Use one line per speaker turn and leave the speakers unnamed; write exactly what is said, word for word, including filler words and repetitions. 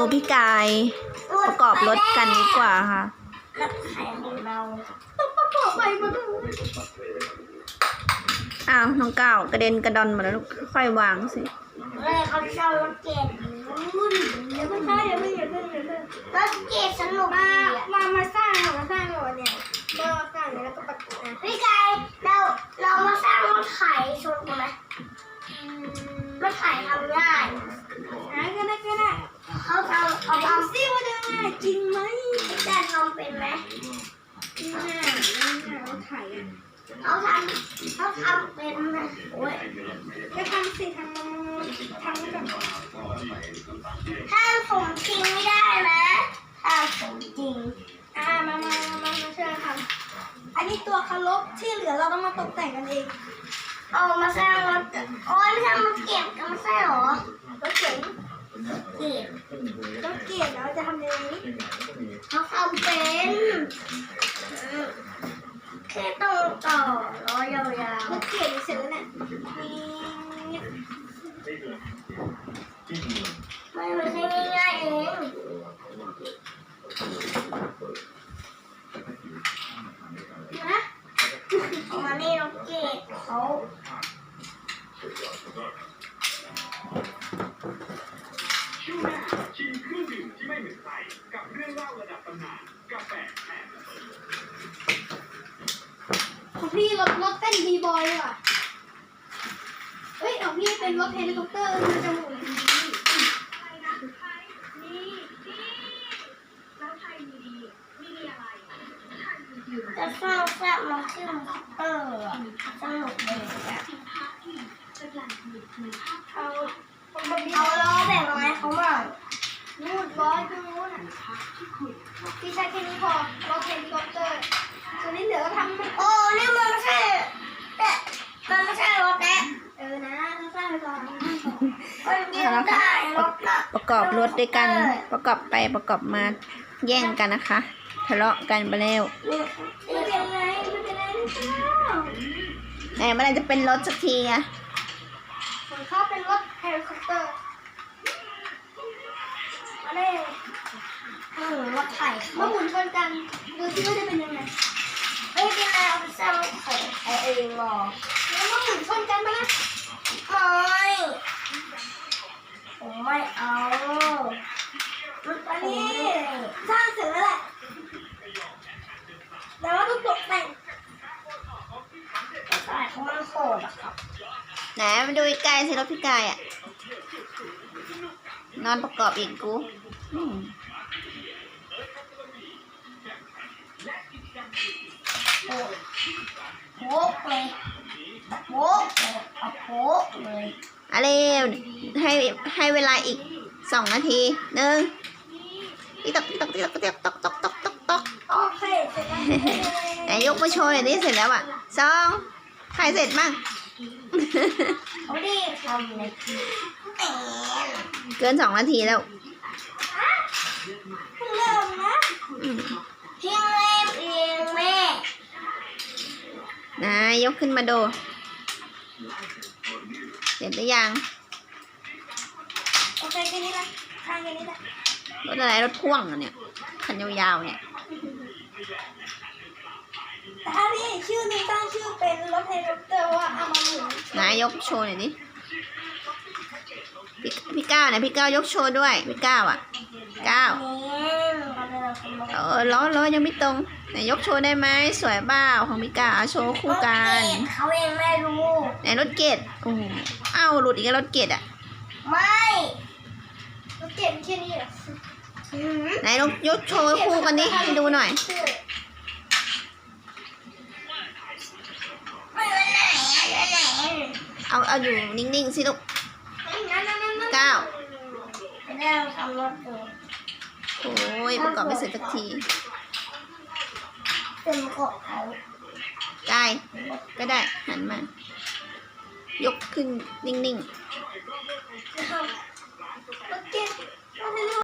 พี่กายประกอบรถกันดีกว่าค่ะ
รถไถของเรา
ต้องประกอบไปหมดเลย
อ้าวน้องก้าวกระเด็นกระดอนหมดแล้วลูกค่อยวางสิ
เลยเขาเช่ารถเกตรุ่น
เดี๋ยวเพิ่งเข้าเดี๋ยวเพิ่งเดี๋ยวเพิ่งเดี๋ยวเพิ่ง
รถเกตสนุก
มา
ดีอะ
มามาสร้างมาสร้างก่อนเนี่ยก็สร้างแล้วก็ประกอบนะ
พี่กายเราเรามาสร้างรถไถชนกันไหมรถไถทำง่าย
หาก็ได้ก็ได้
เขาทำเขา
เอา
ทำ
ซิว่าจะง่ายจริงไหม
พี่กายทำเป็นไหม
ง่ายง่ายเราถ่ายอ่ะ
เขาทำเขาทำเป็นไหมโอ้ย
ก็ทำสิทำทำแบบ
ถ้าสมจริงไม่ได้นะถ้าสมจริง
อ่ามามามามาช่วยทำอันนี้ตัวคารบที่เหลือเราต้องมาตกแต่งกันเอง
เอามาสร้างรถโอ้ยไม่ใช่มาเก็บกันไม่ใช่หรอ
รถเก๋ง
เก็บ
รถเก๋งเราจะทำยังไง
เขาทำเป็นแค่ต้องต่อล้อยาว
รถเก๋งเสร็จแล้วเนี่ยนี่
ๆไม่ไม่ใช่ง่ายๆเองนะเอามานี่น้องเกดเขา
ของพี่รถรถเต้นบีบอยเลยว่ะเฮ้ยของพี่เป็นรถเฮลิคอปเตอร์มันจะหมุน
จะสร้างแฟลชมาขึ้นเออสนุกเลยอะเอาเอาล้อแบ่งไม้เขาบ้าง
นู่นร้อยตรงนู้นอ่ะพี่ใช้แค่นี้พอรถเฮลิคอปเตอร์ส่วนนี้เหลือก็ทำไม่
โอ้นี่มันไม่ใช่แต่มันไม่ใช่รถแน่
เออนะต้องสร้างไปก่อน
มันยืนได้รถน่ะ
ประกอบรถด้วยกันประกอบไปประกอบมาแย่งกันนะคะทะเลาะกันไปแล้ว
นี่
ไม่เป็นไรไม่เป็นไรไม่เป็นไร
ไหนเมื่อไหรจะเป็นรถสักทีอะ
ผมชอบเป็นรถเฮลิคอปเตอร์มาเลย
อืมรถไถ
มาหมุนชนกันดูที่ว่าจะเป็นยังไง
ไม่เป็นไรเอาไปสร้างรถไถไอเองหรอ
แล้วมาหมุนชนกันมานะ
ไม่ผมไม่เอารถ
อัน
ผม
นี้
นี่
สร้างเสร็จแล้วแหละแต่ว่าต้องตกแต่ง
รถไถเขามันโหดอะครับ
ไหนมาดูใกล้ๆสิรถพี่กายอะนอนประกอบอีกกูอืม
โอ้โหเลยโหเลยเอาโหเลย
อะไรให้ให้เวลาอีกสองนาทีหนึ่งติ๊กตอกติ๊กตอกติ๊กตอกติ๊กตอกตอกตอกตอกตอก
โอเคเสร็จแล้ว
ไหนยกมาโชว์หน่อยนี่เสร็จแล้วอ่ะสองใครเสร็จบ้าง
เขาดีทำเลยแหม
เกินสองนาทีแล้ว
เริ่มนะ
อืม
พี่เล่นเองแม่
นายยกขึ้นมาดูเสร็จหรือยัง
โอเคแค่นี้ละทางแค่นี้ละ
รถอะไรรถพ่วงเหรอเนี่ยคันยาวๆเนี่ย
แต่ถ้าพี่ชื่อนี้ตั้งชื่อเป็นรถเฮลิคอปเตอร์ว่าเอามาหมุน
นายยกโชว์หน่อยดิพี่พี่ก้าวเนี่ยพี่ก้าวยกโชว์ด้วยพี่ก้าวอ่ะก้าว
นี่เราเป็นเราเป็น
เออล้อล้อยังไม่ตรงไหนยกโชว์ได้ไหมสวยเปล่าของพี่ก้าวโชว์คู่กัน
เขาเองไม่รู้
ไหนรถเกตโอ้โหอ้าวหลุดอีกแล้วรถเกตอ่ะ
ไม่
รถเก๋งแค่นี้เหรอ
หืม
ไหนลองยกโชว์คู่กันดิให้ดูหน่อย
ไม่ไปไหนไปไหน
เอาเอาอยู่นิ่งๆสิลูก
นั่นนั่นนั่นนั่น
ก้าว
ไปนั่งทำรถอยู่
โอ้ยประกอบไม่เสร็จสักที
เป็นเกาะเขา
กายก็ได้หันมา ยกขึ้นนิ่งๆ
รถเก๋งรถเฮลิ